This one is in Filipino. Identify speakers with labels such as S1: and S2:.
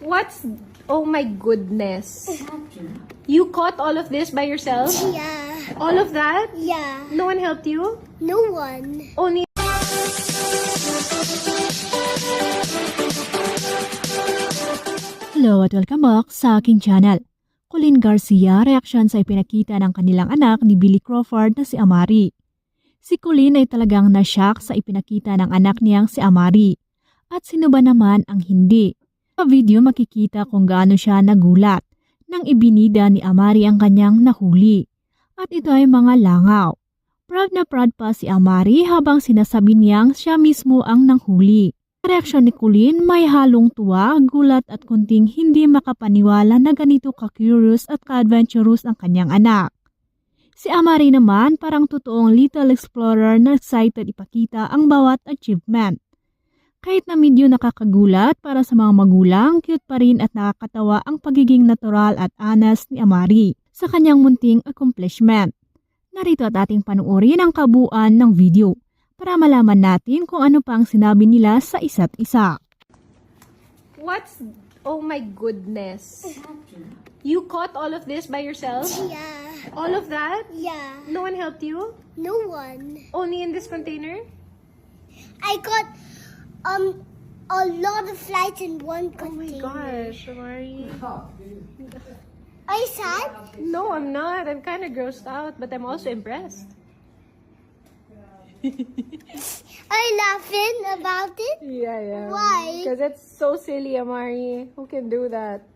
S1: What's... Oh my goodness. You caught all of this by yourself?
S2: Yeah.
S1: All of that?
S2: Yeah.
S1: No one helped you?
S2: No one.
S1: Only...
S3: Hello at welcome back sa aking channel. Colleen Garcia, reaksyon sa ipinakita ng kanilang anak ni Billy Crawford na si Amari. Si Colleen ay talagang nashock sa ipinakita ng anak niyang si Amari. At sino ba naman ang hindi? Sa video makikita kung gaano siya nagulat nang ibinida ni Amari ang kanyang nahuli. At ito ay mga langaw. Proud na proud pa si Amari habang sinasabi niyang siya mismo ang nanghuli. Sa reaksyon ni Colleen, may halong tuwa, gulat at kunting hindi makapaniwala na ganito ka-curious at ka-adventurous ang kanyang anak. Si Amari naman parang totoong little explorer na excited ipakita ang bawat achievement. Kahit na medyo nakakagulat para sa mga magulang, cute pa rin at nakakatawa ang pagiging natural at honest ni Amari sa kanyang munting accomplishment. Narito at ating panuorin ang kabuuan ng video para malaman natin kung ano pa ang sinabi nila sa isa't isa.
S1: What's... Oh my goodness. You caught all of this by yourself?
S2: Yeah.
S1: All of that?
S2: Yeah.
S1: No one helped you?
S2: No one.
S1: Only in this container?
S2: I got a lot of flights in one
S1: Oh my
S2: container.
S1: gosh, Amari.
S2: Are you sad?
S1: No, I'm not. I'm kind of grossed out, but I'm also impressed.
S2: Are you laughing about it?
S1: Yeah.
S2: Why?
S1: Because it's so silly, Amari. Who can do that?